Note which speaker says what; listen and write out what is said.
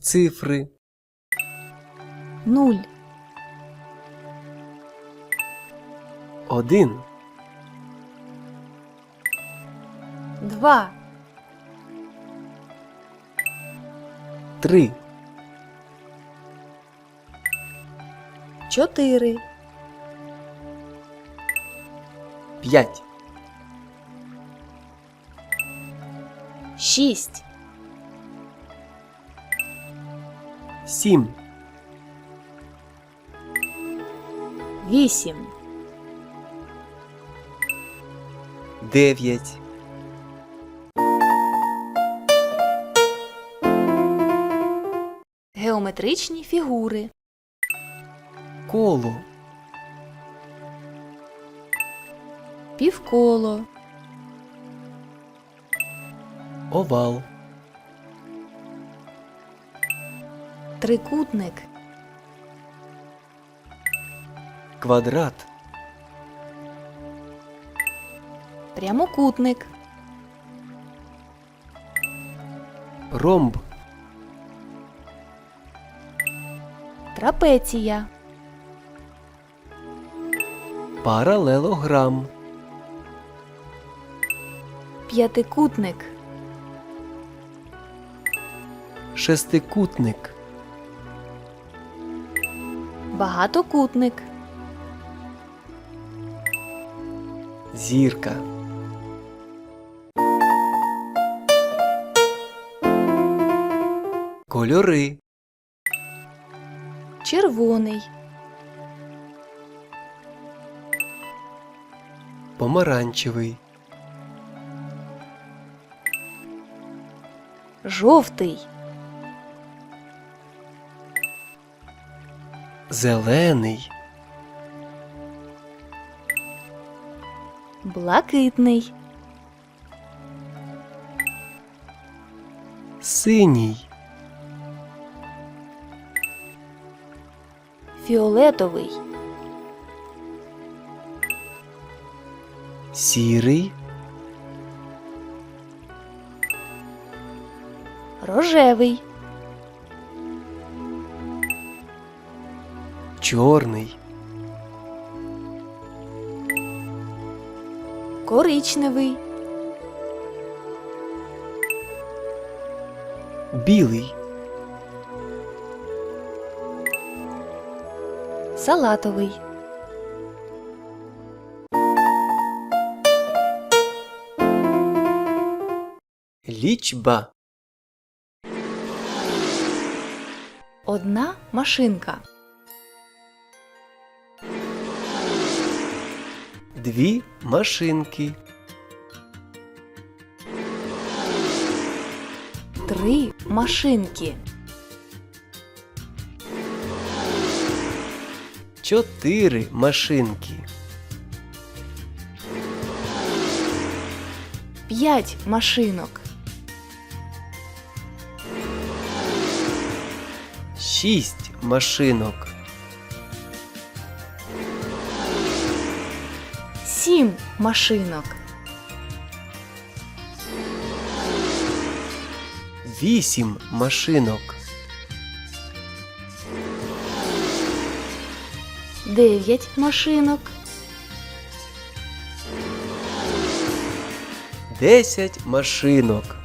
Speaker 1: Цифри.
Speaker 2: 0,
Speaker 1: 1,
Speaker 2: 2,
Speaker 1: 3,
Speaker 2: 4,
Speaker 1: 5,
Speaker 2: 6,
Speaker 1: 7,
Speaker 2: 8,
Speaker 1: 9,
Speaker 2: геометричні фігури,
Speaker 1: коло,
Speaker 2: півколо,
Speaker 1: овал,
Speaker 2: трикутник,
Speaker 1: квадрат,
Speaker 2: прямокутник,
Speaker 1: ромб,
Speaker 2: трапеція,
Speaker 1: паралелограм,
Speaker 2: п'ятикутник,
Speaker 1: шестикутник,
Speaker 2: багатокутник,
Speaker 1: зірка. Кольори.
Speaker 2: червоний,
Speaker 1: Помаранчевий,
Speaker 2: жовтий,
Speaker 1: зелений,
Speaker 2: блакитний,
Speaker 1: синій,
Speaker 2: фіолетовий,
Speaker 1: сірий,
Speaker 2: рожевий,
Speaker 1: чорний,
Speaker 2: коричневий,
Speaker 1: білий,
Speaker 2: салатовий,
Speaker 1: лічба.
Speaker 2: одна машинка,
Speaker 1: Дві машинки,
Speaker 2: 3 машинки,
Speaker 1: 4 машинки,
Speaker 2: 5 машинок,
Speaker 1: 6 машинок,
Speaker 2: 7 машинок,
Speaker 1: 8 машинок,
Speaker 2: 9 машинок,
Speaker 1: 10 машинок,